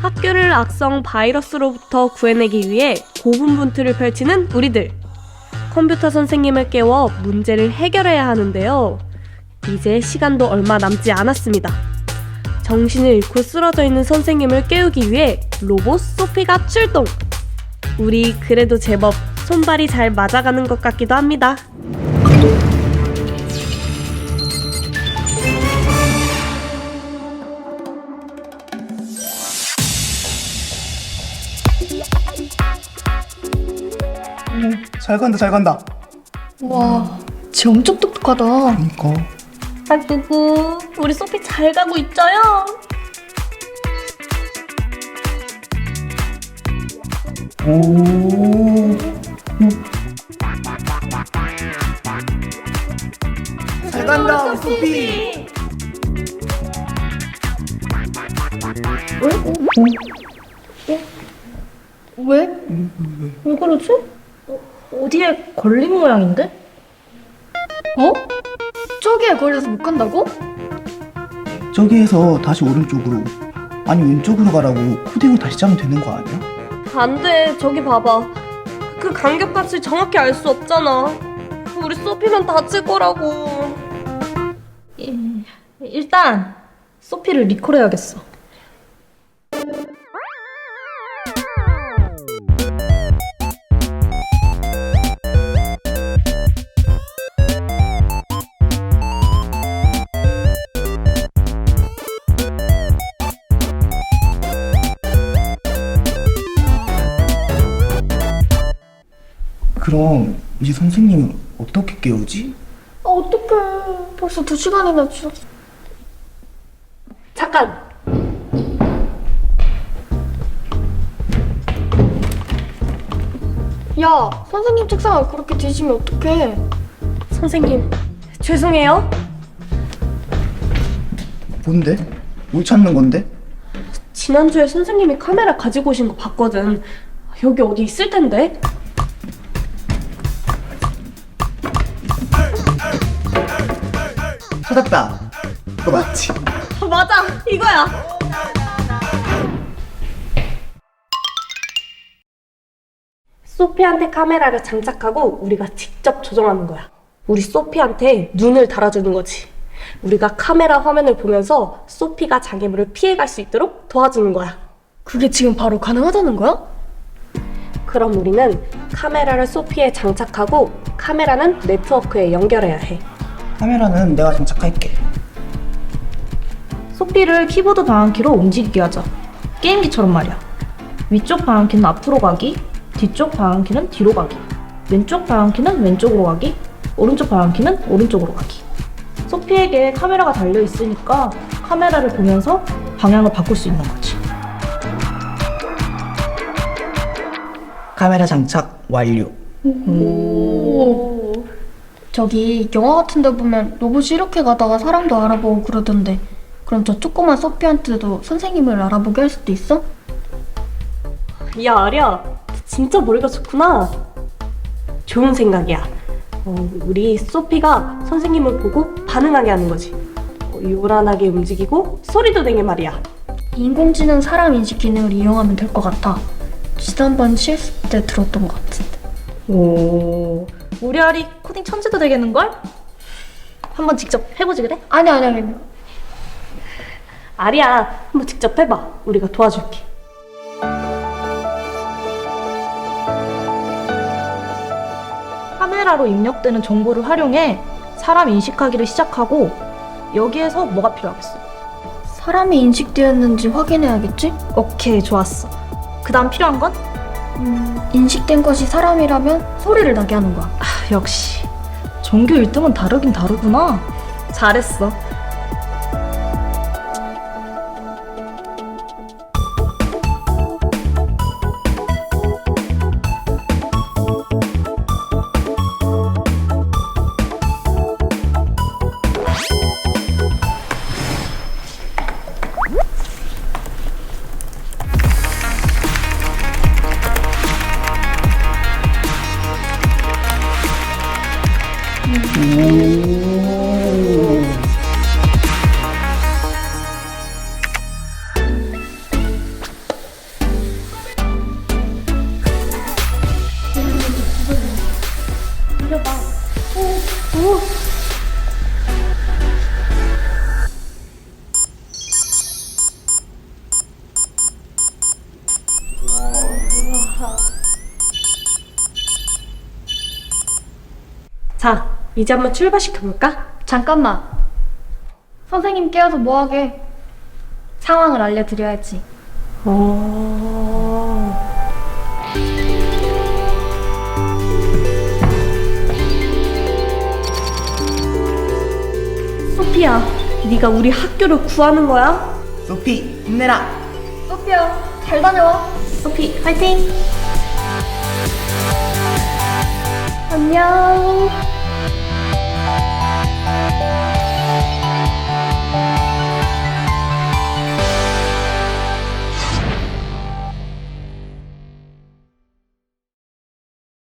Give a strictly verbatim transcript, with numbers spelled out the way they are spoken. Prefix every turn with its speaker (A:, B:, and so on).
A: 학교를 악성 바이러스로부터 구해내기 위해 고군분투를 펼치는 우리들. 컴퓨터 선생님을 깨워 문제를 해결해야 하는데요. 이제 시간도 얼마 남지 않았습니다. 정신을 잃고 쓰러져 있는 선생님을 깨우기 위해 로봇 소피가 출동! 우리 그래도 제법 손발이 잘 맞아가는 것 같기도 합니다.
B: 잘 간다 잘 간다.
C: 와, 쟤 엄청 똑똑하다.
B: 그니까.
A: 아구구, 우리 소피 잘 가고 있죠요?
B: 오. 잘 간다 우리 소피.
C: 왜? 왜 그러지?
D: 어디에 걸린 모양인데?
C: 어? 저기에 걸려서 못 간다고?
B: 저기에서 다시 오른쪽으로 아니 왼쪽으로 가라고 코딩을 다시 짜면 되는 거 아니야?
A: 안 돼, 저기 봐봐. 그 간격값을 정확히 알 수 없잖아. 우리 소피만 다칠 거라고.
D: 이- 일단 소피를 리콜해야겠어.
B: 그럼 이제 선생님은 어떻게 깨우지?
C: 아, 어떡해. 벌써 두 시간이나 지났어.
A: 잠깐!
C: 야, 선생님 책상을 그렇게 뒤지면 어떡해.
A: 선생님, 죄송해요.
B: 뭔데? 뭘 찾는 건데?
A: 지난주에 선생님이 카메라 가지고 오신 거 봤거든. 여기 어디 있을 텐데?
B: 찾았다. 이거 맞지?
A: 아, 맞아! 이거야! 소피한테 카메라를 장착하고 우리가 직접 조정하는 거야. 우리 소피한테 눈을 달아주는 거지. 우리가 카메라 화면을 보면서 소피가 장애물을 피해갈 수 있도록 도와주는 거야.
C: 그게 지금 바로 가능하다는 거야?
A: 그럼 우리는 카메라를 소피에 장착하고 카메라는 네트워크에 연결해야 해.
B: 카메라는 내가 장착할게.
D: 소피를 키보드 방향키로 움직이게 하자. 게임기처럼 말이야. 위쪽 방향키는 앞으로 가기, 뒤쪽 방향키는 뒤로 가기, 왼쪽 방향키는 왼쪽으로 가기, 오른쪽 방향키는 오른쪽으로 가기. 소피에게 카메라가 달려 있으니까 카메라를 보면서 방향을 바꿀 수 있는 거지.
B: 카메라 장착 완료.
C: 오. 저기 영화 같은 데 보면 로봇이 이렇게 가다가 사람도 알아보고 그러던데, 그럼 저 조그만 소피한테도 선생님을 알아보게 할 수도 있어?
A: 야, 아리야, 진짜 머리가 좋구나. 좋은 생각이야. 어, 우리 소피가 선생님을 보고 반응하게 하는 거지. 어, 요란하게 움직이고 소리도 내게 말이야.
C: 인공지능 사람 인식 기능을 이용하면 될 것 같아. 지난번 실습 때 들었던 것 같은데.
D: 오, 우리 아리 코딩 천재도 되겠는걸? 한번 직접 해보지 그래?
C: 아니 아니 아니.
A: 아리야, 한번 직접 해봐. 우리가 도와줄게.
D: 카메라로 입력되는 정보를 활용해 사람 인식하기를 시작하고, 여기에서 뭐가 필요하겠어?
C: 사람이 인식되었는지 확인해야겠지?
D: 오케이, 좋았어. 그 다음 필요한 건?
C: 음, 인식된 것이 사람이라면 소리를 나게 하는 거야.
D: 아, 역시 전교 일 등은 다르긴 다르구나. 잘했어.
B: 오.
A: 자, 이제 한번 출발시켜볼까?
C: 잠깐만. 선생님 깨워서 뭐하게? 상황을 알려드려야지.
A: 어... 소피야, 네가 우리 학교를 구하는 거야?
B: 소피, 힘내라.
C: 소피야, 잘 다녀와. 소피, 화이팅! 안녕.